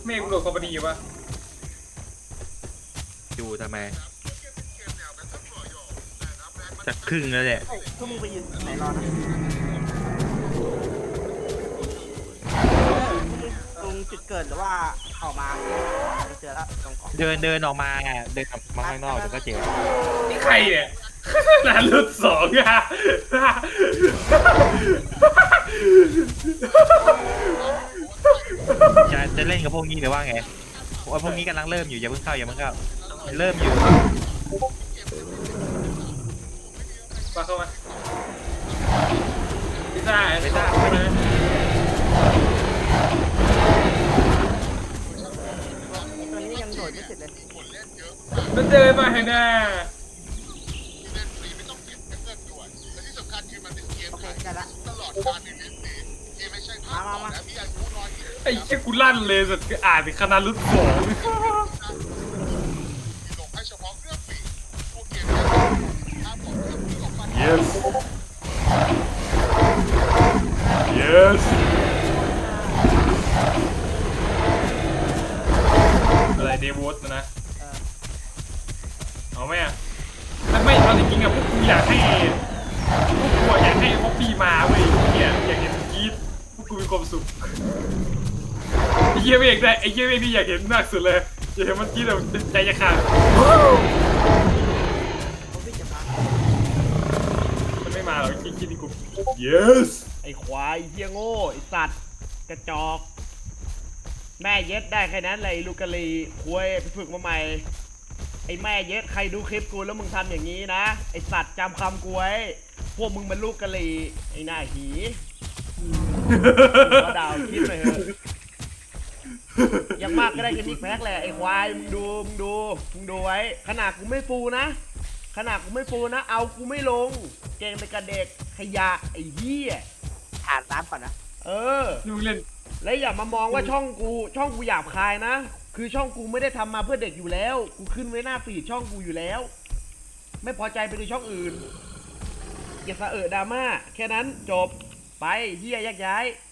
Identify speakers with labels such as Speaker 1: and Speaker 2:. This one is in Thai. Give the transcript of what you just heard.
Speaker 1: เมฆโดดคอมพานีปะ
Speaker 2: ดูทำไมจะครึ่งแล้วเนี่ย
Speaker 3: ก็มึงไปยืนไหนรอนะตรงจุดเกิดหรือว่าออกมาเจอแล้วตรงเกาะ
Speaker 2: เดินออกมาอ่ะเดินออกมาข้างนอกเดี๋ยวก็เจอ
Speaker 1: นี่ใครเนี่ยนารุต2อ่ะ
Speaker 2: จะเล่นกับพวกนี้หรือว่าไงว่าพวกนี้กำลังเริ่มอยู่อย่าเพิ่งเข้าเริ่มอยู่
Speaker 1: มาเข้ามาพิซซ่า
Speaker 2: ไม่ได้
Speaker 3: ตัวนี้ยังโดดไม่เสร็จเลย
Speaker 1: มันเดินมาให้หน้า
Speaker 3: โอเคได้ละมา
Speaker 1: ไอ้เชี่ยกูลั่นเลยสุดอ่านถึงคณะรุต2 yes yes อะไรเดวอสนะเอาไหมอ่ะไม่เอาจริงๆอ่ะพวกกูอยากให้พวกปีมาเว้ยเนี่ยอยากเห็นกีดพวกกูมีความสุขไอ้เหี้ยเมฆได้ไอ้เหี้ยเมฆนี่อยากเห็นมากสุดเลยอยากเห็นมันกีดแบบใจจะขาดมันไม่มาหรอกคิดที่กู yes
Speaker 4: ไอ้ควายเฮียโง่ไอ้สัตว์กระจอกแม่เย็ดได้แค่นั้นเลยลูกกะลีคุยไปฝึกมาใหม่ไอ้แม่เย็ดใครดูคลิปกูแล้วมึงทำอย่างนี้นะไอ้สัตว์จำคำกูไว้พวกมึงเป็นลูกกะลีไอ้หน้าหีก็ดาวคิดเลยเถอะยังมากก็ได้แค่นิกแพ็กแหละไอ้ควายมึงดูไว้ขนาดกูไม่ฟูนะเอากูไม่ลงเก่งไปกับเด็กขยะไอ้เหี้ย
Speaker 3: อ่านน้ำก่อนนะ
Speaker 1: ดูเล่น
Speaker 4: และอย่ามามองว่าช่องกูหยาบคายนะคือช่องกูไม่ได้ทำมาเพื่อเด็กอยู่แล้วกูขึ้นไว้หน้าฟีดช่องกูอยู่แล้วไม่พอใจไปดูช่องอื่นอย่าสะดราม่าแค่นั้นจบไปเหี้ยแยกย้าย